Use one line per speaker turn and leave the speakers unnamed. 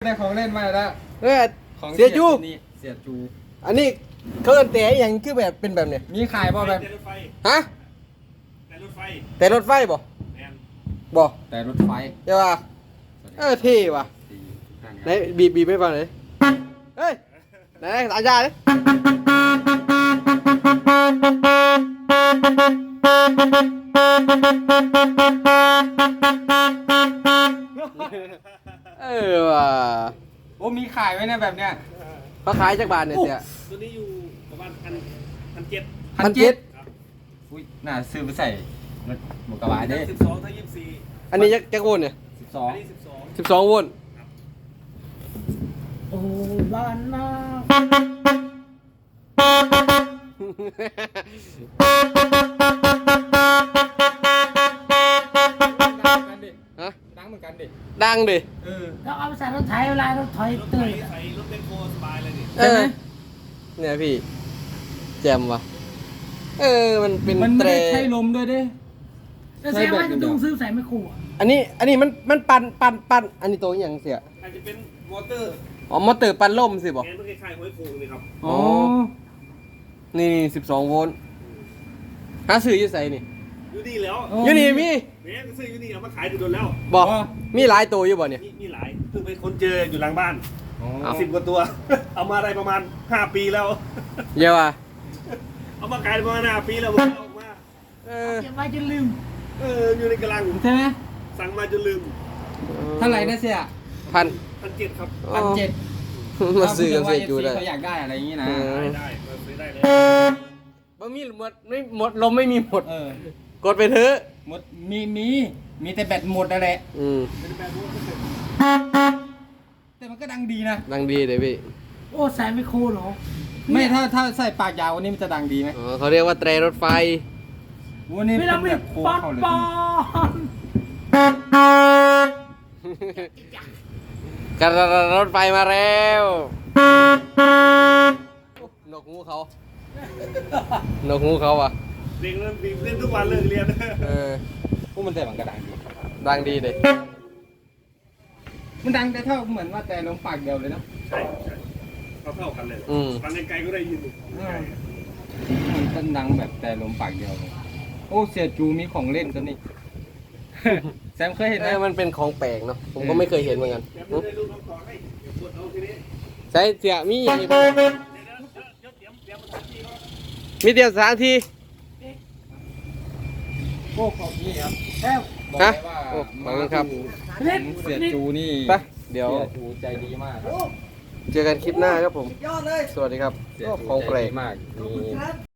ได้ของเล่นมาแล้ว
ของเสียจู
เสียจู
อันนี้เขาเอิ้นแต่อย่างคือแบบเป็นแบบเนี้ย
มีขายบ่แบบ
แต่รถไฟ
ฮะ
แต่รถไฟ
แต่รถไฟบ่
แมน
บ่
แต่รถไฟ
ใช่ป่ะเท่ว่ะไหนบีบให้ฟังหน่อยเฮ้ยไหนอาจารย์ดิว่ะ
โอ้มีขายไว้นะแบบเนี้ย
เขาขายจากบาทเนี่ยเสีย
ตัวนี้อยู่ประมาณ1,700
1,700
ครับ
อุ้ยน่าซื้อไปใส่รถหมูกระบะเด้
12ถ้า24
อันนี้จักรโวลต์เนี่ย
อันนี้12
12 โวลต์
โอ้บ้านนา
ฮะ
ดังเหมือนกันดิ
ดังดิ
เออ
แล้วเอาไปใส่รถไถเวลารถถอย
รถไฟ
ตื่น
ใส่รถเบนโคสบายเลยนี่
เออเนี่ยพี่แจมว่ะมันเป็น
มันไม่
เตร
ได้ใช้ลมด้วยเด้
แล้วแสดงว่าจะต้องซื้อใส่ไม่คู่อะ
อันนี้มันปั่นอันนี้ตัวอหย่างเสีย
อาจจะเป็นมอเตอร์
อ๋อมอเตอร์ปั่นลมสิบ่
แกนมันคล้ายๆห้อยโขงนี่ครับ
อ๋อ
นี่12 โวลต์หาซื้ออยู่ไสนี่
อยู่นี่แล้ว
อยู่นี่มี
แม่ก็ซื้ออยู่นี่เอามาขายดูโดนแล้ว
บ่มีหลายตัวอยู่บ่เนี่ย
มีหลายเพิ่งไปค้นเจออยู่หลังบ้าน
อ๋อ
เอา
10 กว่าตัว เอามาได้ประมาณ5 ปีแล้ว
เยอะว่ะ
เอามาขายประมาณ5 ปีแล้วมันเอาออกมา
เก็บไว้จนลืม
อยู่ในกำลัง
ใช่ไหม
สั่งมาจนลืม
เท่าไหร่นะเสีย
พัน
1,700ครับ
1,700
มาซื้อกันเสียจูได้
เขาอยากได้อะไรอย่างงี้นะ
ได้มาซื้อได้เลย
บ่มีหมดไม่หมดลมไม่มีหมด
เออก
ดไปเถอะ
หมดมีแต่แบตหมดนั่นแหละ
เป็นแบบว่า
แต่มันก็ดังดีนะ
ดังดีเลยพี่
โอ้ใส่ไม่คู่เหรอ
ไม่ถ้าใส่ปากยาววันนี้มันจะดังดีไหม
อ๋อเขาเรียกว่าแตรรถไฟ
วันนี้
ไม่
เป็
ต้อง
น
มี
แบบโค้ง
ปอน
เข้าเลย
ปอน
กระรถไฟมาแล้วนกหูเขานกหูเขาอ่ะ
เด็กเล่นทุกวันเลิกเรียน
พวกมันแต่มันก็ดังดี
ดังดีเลย
มันดังแต่เท่าเหมือนว่าแต่ลมปากเดียวเลยนะ
ใช่เท่ากันเลยฟังไกลๆก็ได้ยิน
มันเป็นดังแบบแต่ลมปากเดียวเลยโอ้เสียจูมีของเล่นตัวนี้ แซมเคยเห็นไหม
มันเป็นของแปลกเนาะผมก็ไม่เคยเห็นเหมือนกัน
แต่ไม่ได้ลูกน้องต่อให้กดเอาทีนี้
ใช่เสียมีอย่างนี้
เดี๋ยวเตรียมมาทันทีครับ
มีเดียวสถานที่
โอ้ของนี่ครับ
แล้ว
บอก
ฮะ
เลยว่า
โอ้ขอบคุณครับ
เสียจูนี่
ไปเดี๋ยว
เสียจูใจดีมาก
เจอกันคลิปหน้าครับผม สวัสดีครับ
เสียจู
ของแปล
ใจ
ก
ดีมากมี